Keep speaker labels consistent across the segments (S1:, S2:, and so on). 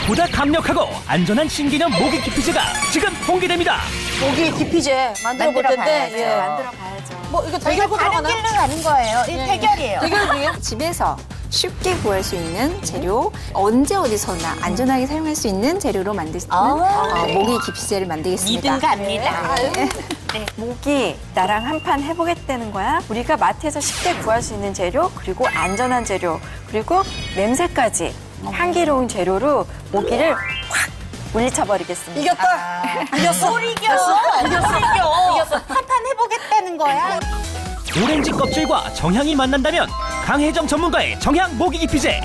S1: 보다 강력하고 안전한 신개념 모기 기피제가 지금 공개됩니다.
S2: 모기 기피제 만들어 볼 텐데. 예.
S3: 만들어 봐야죠.
S2: 뭐 이거
S3: 저희가
S2: 대결
S3: 다른
S2: 하나?
S3: 길로 가는 거예요. 이 대결이에요.
S2: 대결이에요?
S4: 집에서 쉽게 구할 수 있는 재료, 언제 어디서나 안전하게 사용할 수 있는 재료로 만들 수 있는 모기 기피제를 만들겠습니다.
S3: 믿음 갑니다.
S4: 네. 모기 나랑 한판 해보겠다는 거야. 우리가 마트에서 쉽게 구할 수 있는 재료, 그리고 안전한 재료, 그리고 냄새까지 향기로운 재료로 모기를 확 물리쳐버리겠습니다.
S2: 이겼다. 이겼어.
S3: 이겼어. 한판 해보겠다는 거야.
S1: 오렌지 껍질과 정향이 만난다면 강혜정 전문가의 정향 모기 기피제.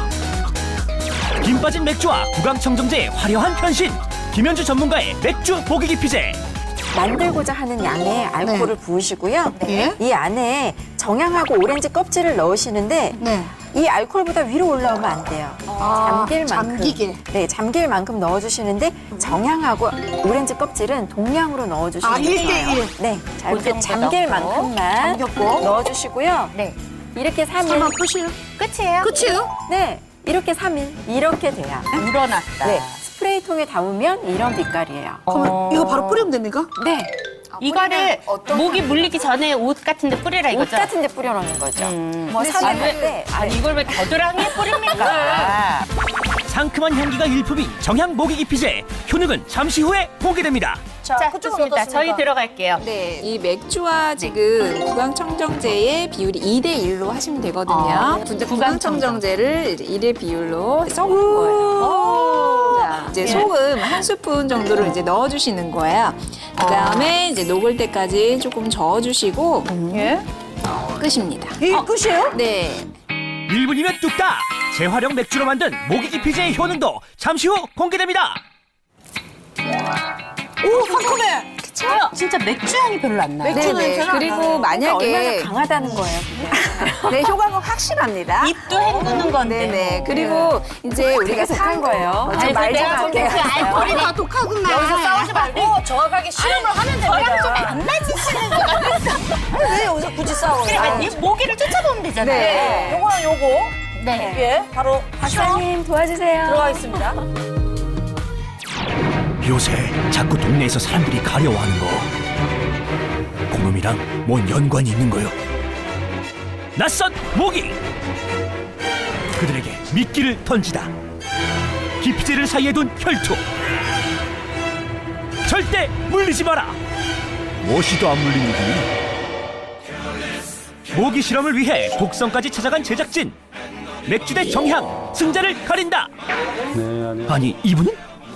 S1: 김 빠진 맥주와 구강청정제의 화려한 변신. 김현주 전문가의 맥주 모기 기피제.
S4: 만들고자 하는 양의 알코올을 부으시고요.
S2: 네.
S4: 이 안에 정향하고 오렌지 껍질을 넣으시는데
S2: 네.
S4: 이 알코올보다 위로 올라오면 안 돼요. 잠길 만큼.
S2: 잠기게.
S4: 네, 잠길 만큼 넣어주시는데 정향하고 오렌지 껍질은 동량으로 넣어주시면
S2: 아, 1대1.
S4: 돼요. 네, 자, 이렇게
S3: 정도
S4: 잠길
S3: 넣고.
S4: 만큼만
S2: 잠겼고.
S4: 넣어주시고요.
S3: 네.
S4: 이렇게 3일.
S2: 설마 끝이에요?
S3: 끝이에요?
S2: 끝이에요?
S4: 네, 이렇게 3일. 이렇게 돼야.
S3: 우러났다.
S4: 네, 스프레이통에 담으면 이런 빛깔이에요.
S2: 그러면 이거 바로 뿌리면 됩니까?
S4: 네,
S3: 이거를 모기 물리기 전에 옷 같은 데 뿌리라
S4: 옷
S3: 이거죠?
S4: 같은 데 뿌려놓는 거죠. 뭐
S3: 근데
S4: 산에
S3: 왜-
S4: 갈 때.
S3: 아니 이걸 왜 겨드랑이에 뿌립니까?
S1: 상큼한 향기가 일품인 정향 모기 기피제. 효능은 잠시 후에 공개됩니다.
S2: 자,
S3: 자,
S2: 그쪽은
S3: 좋습니다.
S2: 어떻습니까?
S3: 저희 들어갈게요.
S4: 네, 이 맥주와 지금 구강청정제의 비율이 2대 1로 하시면 되거든요. 근데 구강청정제를 1의 비율로 섞은 거예요. 자, 이제 소금 한 스푼 정도를 이제 넣어주시는 거예요. 그 다음에 이제 녹을 때까지 조금 저어주시고
S3: 예?
S4: 끝입니다.
S2: 이게 끝이에요?
S4: 네.
S1: 1분이면 뚝딱! 재활용 맥주로 만든 모기 기피제의 효능도 잠시 후 공개됩니다.
S2: 오, 상큼해.
S3: 진짜 맥주 향이 별로 안 나요.
S2: 맥주 냄새는 안
S4: 그리고
S2: 나요.
S4: 만약에
S3: 그러니까
S4: 얼마나 강하다는 거예요. 네, 효과가 확실합니다.
S3: 입도 헹구는 건데.
S4: 네네. 그리고 이제 우리가 독한 거예요. 좀
S3: 아이고,
S4: 말 좀
S3: 내가 좀
S4: 할게요.
S3: 그 알코올이 더 독하구나.
S2: 여기서 싸우지 말고 정확하게 실험을 하면 됩니다.
S3: 저랑 좀 안 맞으시는 것 같아서.
S2: 왜 여기서 굳이 싸워요?
S3: 아니, 모기를 쫓아보면 되잖아요.
S4: 네.
S2: 요거랑 요거.
S3: 네.
S2: 예, 바로
S4: 박사님 도와주세요.
S2: 들어가겠습니다.
S1: 요새 자꾸 동네에서 사람들이 가려워하는 거. 그놈이랑 뭔 연관이 있는 거요? 낯선 모기! 그들에게 미끼를 던지다. 기피제를 사이에 둔 혈투. 절대 물리지 마라! 무엇이도 안 물리는군. 모기 실험을 위해 독성까지 찾아간 제작진. 맥주 대 정향, 승자를 가린다! 아니, 이분은?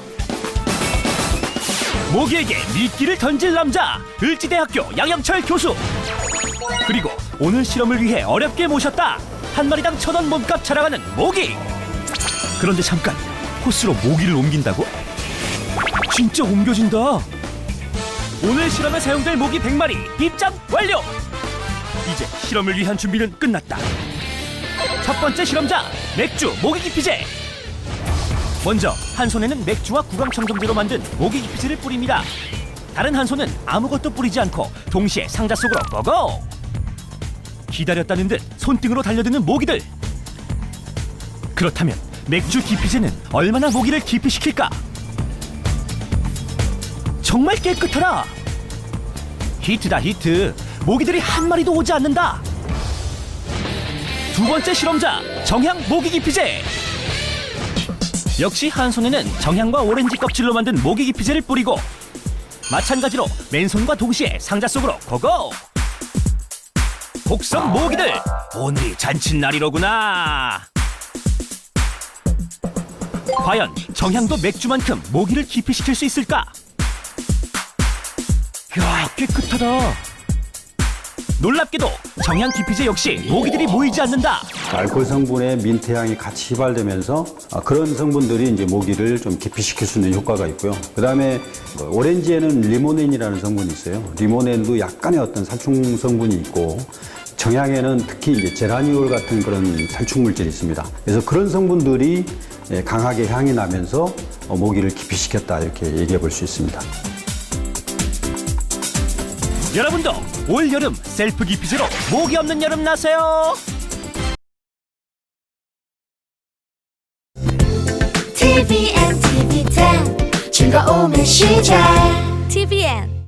S1: 모기에게 미끼를 던질 남자, 을지대학교 양영철 교수. 그리고 오늘 실험을 위해 어렵게 모셨다. 한 마리당 1,000원 몸값 자랑하는 모기. 그런데 잠깐, 호스로 모기를 옮긴다고? 진짜 옮겨진다. 오늘 실험에 사용될 모기 100마리 입장 완료. 이제 실험을 위한 준비는 끝났다. 첫 번째 실험자, 맥주 모기 기피제. 먼저 한 손에는 맥주와 구강청정제로 만든 모기 기피제를 뿌립니다. 다른 한 손은 아무것도 뿌리지 않고 동시에 상자 속으로 고고! 기다렸다는 듯 손등으로 달려드는 모기들. 그렇다면 맥주 기피제는 얼마나 모기를 기피시킬까? 정말 깨끗하라! 히트다 히트! 모기들이 한 마리도 오지 않는다! 두 번째 실험자, 정향 모기 기피제! 역시 한 손에는 정향과 오렌지 껍질로 만든 모기 기피제를 뿌리고 마찬가지로 맨손과 동시에 상자 속으로 고고! 곡성 모기들! 오늘이 잔칫날이로구나! 과연 정향도 맥주만큼 모기를 기피시킬 수 있을까? 이야, 깨끗하다! 놀랍게도 정향 기피제 역시 모기들이 모이지 않는다!
S5: 알코올 성분에 민트향이 같이 휘발되면서 그런 성분들이 이제 모기를 좀 기피시킬 수 있는 효과가 있고요. 그 다음에 오렌지에는 리모넨이라는 성분이 있어요. 리모넨도 약간의 어떤 살충 성분이 있고 정향에는 특히 이제 제라니올 같은 그런 살충 물질이 있습니다. 그래서 그런 성분들이 강하게 향이 나면서 모기를 기피시켰다 이렇게 얘기해 볼 수 있습니다.
S1: 여러분도 올 여름 셀프 기피제로 모기 없는 여름 나세요.
S6: TVN TVN, TV10 즐거움의 시작 TVN